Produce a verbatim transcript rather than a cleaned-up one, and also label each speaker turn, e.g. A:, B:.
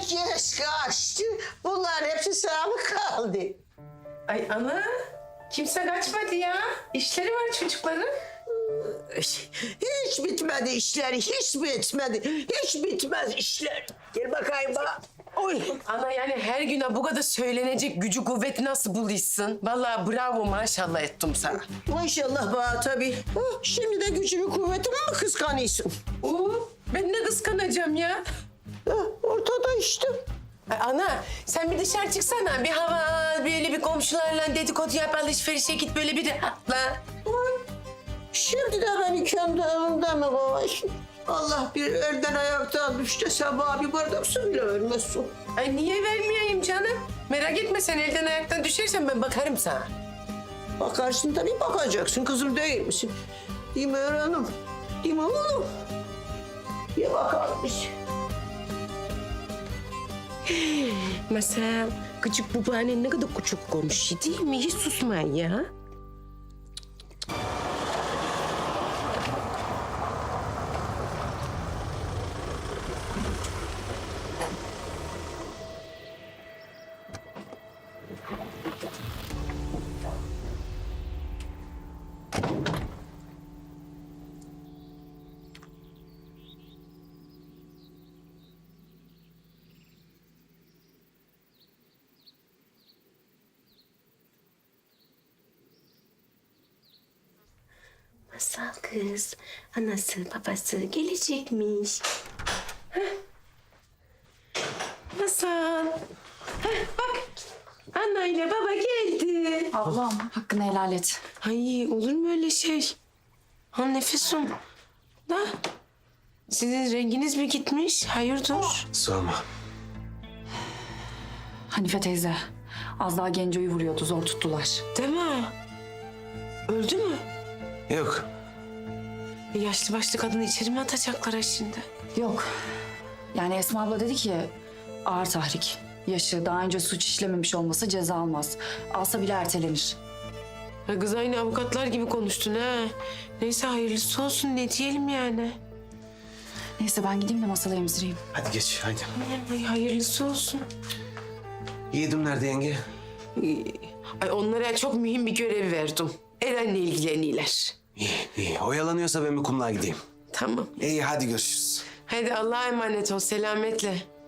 A: Herkes kaçtı. Bunların hepsi sana mı kaldı?
B: Ay ana, kimse kaçmadı ya. İşleri var çocukların.
A: Hiç bitmedi işleri, hiç bitmedi. Hiç bitmez işler. Gel bakayım bana. Oy.
B: Ana yani her güne bu kadar söylenecek gücü kuvveti nasıl buluyorsun? Vallahi bravo maşallah ettim sana.
A: Maşallah bana tabii. Oh, şimdi de gücümü kuvvetimi mi kıskanıyorsun?
B: Oo, ben ne kıskanacağım ya?
A: Ha, ortada işte.
B: Ay ana sen bir dışarı çıksana. Bir hava al, böyle bir komşularla dedikodu yap, alışverişe git böyle bir rahatla.
A: Oy. Şimdi de beni kendi evimde mi kovarsın? Allah bir elden ayaktan düştü sabah bir bardak su bile vermezsin.
B: Ay niye vermeyeyim canım? Merak etme sen elden ayaktan düşersen ben bakarım sana.
A: Bakarsın tabii bakacaksın kızım değil misin? Değil mi Hanım? Değil mi oğlum? Bir bakalım biz.
B: Mesela küçük babaannen ne kadar küçük konuşuyor değil mi? Hiç susmayın ya. Masal kız, anası babası gelecekmiş. Heh. Masal. Heh, bak, anne ile baba geldi.
C: Ablam hakkını helal et.
B: Ay olur mu öyle şey? Ha nefesim. Da. Sizin renginiz mi gitmiş? Hayırdır?
D: Sorma.
C: Hanife teyze az daha Genco'yu vuruyordu, zor tuttular.
B: Değil mi? Öldü mü?
D: Yok.
B: E, yaşlı başlı kadını içeri mi atacaklar ha şimdi?
C: Yok. Yani Esma abla dedi ki ağır tahrik. Yaşı daha önce suç işlememiş olması ceza almaz. Alsa bile ertelenir.
B: Ha, kız aynı avukatlar gibi konuştun ha. Neyse hayırlısı olsun ne diyelim yani.
C: Neyse ben gideyim de masala emzireyim.
D: Hadi geç haydi.
B: Ay hayırlısı olsun.
D: Yiğidim nerede yenge?
B: Ay onlara çok mühim bir görev verdim. Eren'le ilgileniyorlar.
D: İyi iyi. Oyalanıyorsa ben bir kumluğa gideyim.
B: Tamam.
D: İyi hadi görüşürüz.
B: Hadi Allah'a emanet ol selametle.